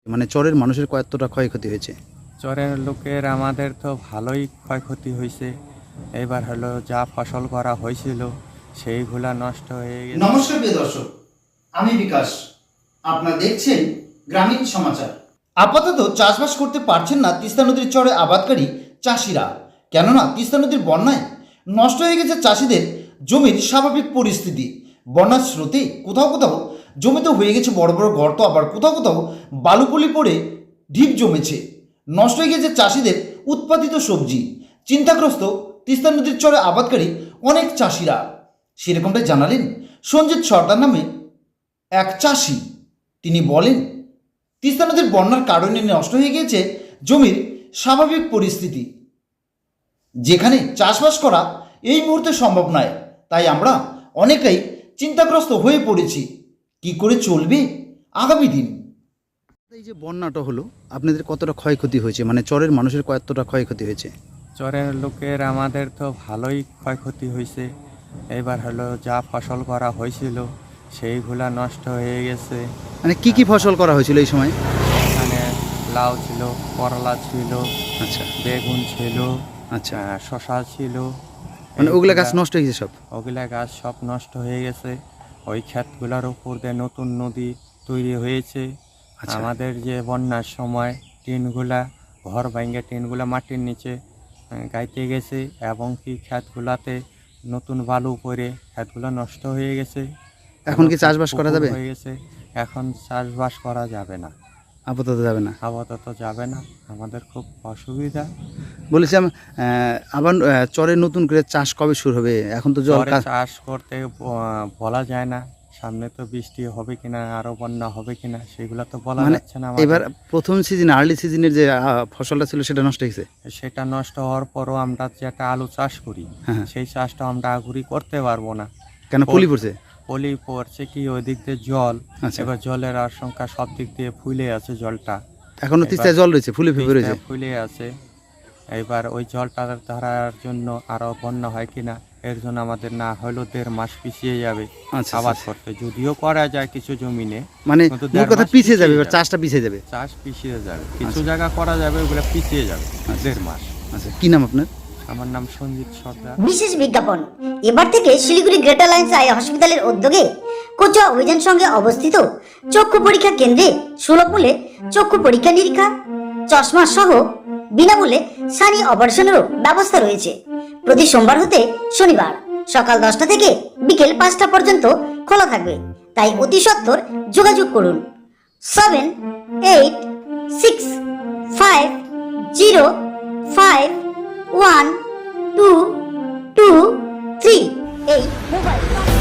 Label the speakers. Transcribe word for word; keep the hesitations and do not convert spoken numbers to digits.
Speaker 1: মানে চরের মানুষের কতটা ক্ষয়ক্ষতি হয়েছে?
Speaker 2: চরের লোকের আমাদের তো ভালোই ক্ষয়ক্ষতি হয়েছে। এবার হলো যা ফসল করা হয়েছিল সেইগুলা নষ্ট হয়ে গেছে।
Speaker 3: নমস্কার প্রিয় দর্শক, আমি বিকাশ। আপনারা দেখছেন গ্রামীণ সমাচার। আপাতত চাষবাস করতে পারছেন না তিস্তা নদীর চরে আবাদকারী চাষিরা, কেননা তিস্তা নদীর বন্যায় নষ্ট হয়ে গেছে চাষিদের জমির স্বাভাবিক পরিস্থিতি। বন্যার স্রোতে কোথাও কোথাও জমিতে হয়ে গেছে বড় বড় গর্ত, আবার কোথাও কোথাও বালুপলি পড়ে ঢিপ জমেছে। নষ্ট হয়ে গেছে চাষিদের উৎপাদিত সবজি। চিন্তাগ্রস্ত তিস্তা নদীর চরে আবাদকারী অনেক চাষিরা। সেরকমটাই জানালেন সঞ্জিত সর্দার নামে এক চাষি। তিনি বলেন, তিস্তা নদীর বন্যার কারণে নষ্ট হয়ে গিয়েছে জমির স্বাভাবিক পরিস্থিতি, যেখানে চাষবাস করা এই মুহূর্তে সম্ভব নয়। তাই আমরা অনেকেই চিন্তাগ্রস্ত হয়ে পড়েছি, কি করে চলবে আগামী দিন।
Speaker 1: এই যে বন্যাটা হলো, আপনাদের কতটা ক্ষয়ক্ষতি হয়েছে? মানে চরের মানুষের কতটা ক্ষয়ক্ষতি হয়েছে?
Speaker 2: চরের লোকের আমাদের তো ভালোই ক্ষয়ক্ষতি হয়েছে। এবার হলো যা ফসল করা হয়েছিল সেইগুলা নষ্ট হয়ে গেছে।
Speaker 1: মানে কি কি ফসল করা হয়েছিল এই সময়?
Speaker 2: এখানে লাউ ছিল, করলা ছিল,
Speaker 1: আচ্ছা
Speaker 2: বেগুন ছিল,
Speaker 1: আচ্ছা,
Speaker 2: আহ, শশা ছিল।
Speaker 1: মানে ওগুলা গাছ
Speaker 2: এইগুলা-
Speaker 1: নষ্ট হয়ে গেছে সব?
Speaker 2: ওগুলা গাছ সব নষ্ট হয়ে গেছে। ওই ক্ষেতগুলোর উপর দিয়ে নতুন নদী তৈরি হয়েছে।
Speaker 1: আচ্ছা।
Speaker 2: আমাদের যে বন্যার সময় টিনগুলা ঘর ভাঙে টিনগুলা মাটির নিচে আহ, গাইতে গেছে, এবং কি ক্ষেতগুলাতে নতুন বালু পড়ে ক্ষেতগুলো নষ্ট হয়ে গেছে।
Speaker 1: এখন কি
Speaker 2: এবং
Speaker 1: চাষবাস করা
Speaker 2: পুকুর
Speaker 1: যাবে?
Speaker 2: হয়ে গেছে। এখন চাষবাস করা যাবে না,
Speaker 1: আপাতত যাবে না।
Speaker 2: আপাতত যাবে না। আমাদের খুব অসুবিধা।
Speaker 1: বলেছিলাম আহ, আবার আহ, চরে নতুন করে চাষ কবে শুরু হবে? এখন তো জল
Speaker 2: পরে
Speaker 1: কা-
Speaker 2: চাষ করতে ব- বলা যায় না। সামনে তো বৃষ্টি হবে কিনা, আরো বন্যা হবে কিনা, সেগুলো তো বলা
Speaker 1: মানে
Speaker 2: যাচ্ছে না আমাদের।
Speaker 1: এবার প্রথম সিজন আর্লি সিজনের যে আহ, ফসলটা ছিল সেটা নষ্ট হয়েছে।
Speaker 2: সেটা নষ্ট হওয়ার পরও আমরা যেটা আলু চাষ করি
Speaker 1: হ্যাঁ।
Speaker 2: সেই চাষটা আমরা আগুরি করতে পারবো না।
Speaker 1: কেন পলি পড়ছে?
Speaker 2: পলি পড়ছে কি, ওই দিক দিয়ে জল,
Speaker 1: আচ্ছা।
Speaker 2: এবার জলের আশঙ্কা, সব দিক দিয়ে ফুলে আছে জলটা।
Speaker 1: এখনো তিস্তায় জল রয়েছে, ফুলে ফেপে রয়েছে।
Speaker 2: তিস্তায় ফুলে আছে। এবার ওই জলটা ধরার জন্য আরো বন্যা হয় কিনা, এর জন্য আমাদের না হলেও দেড় মাস পিছিয়ে যাবে
Speaker 1: আচ্ছা,
Speaker 2: আবাদ
Speaker 1: আচ্ছা।
Speaker 2: করতে। যদিও করা যায় কিছু জমিনে,
Speaker 1: মানে
Speaker 2: কিন্তু
Speaker 1: মোট
Speaker 2: দেড়
Speaker 1: কথা
Speaker 2: মাস
Speaker 1: পিছিয়ে যাবে,
Speaker 2: পিছিয়ে
Speaker 1: এবার
Speaker 2: যাবে।
Speaker 1: চাষটা পিছিয়ে যাবে।
Speaker 2: চাষ পিছিয়ে যাবে, কিছু জায়গা করা যাবে, ওগুলো পিছিয়ে যাবে দেড় মাস।
Speaker 1: আচ্ছা, কি নাম আপনার?
Speaker 2: আমার নাম সঞ্জিত সর্দার।
Speaker 4: বিশেষ বিজ্ঞাপন। এবার থেকে শিলিগুড়ি গ্রেটার লাইন্স আই হসপিটালের উদ্যোগে কোচুয়া অভিযান সঙ্গে অবস্থিত চক্ষু পরীক্ষা কেন্দ্রে সুলভ মূল্যে চক্ষু পরীক্ষা নিরীক্ষা, চশমা সহ বিনামূল্যে সানি অপারেশনেরও ব্যবস্থা রয়েছে। প্রতি সোমবার হতে শনিবার সকাল দশটা থেকে বিকেল পাঁচটা পর্যন্ত খোলা থাকবে। তাই অতি সত্বর যোগাযোগ করুন seven eight six five zero five one two two three এই মোবাইল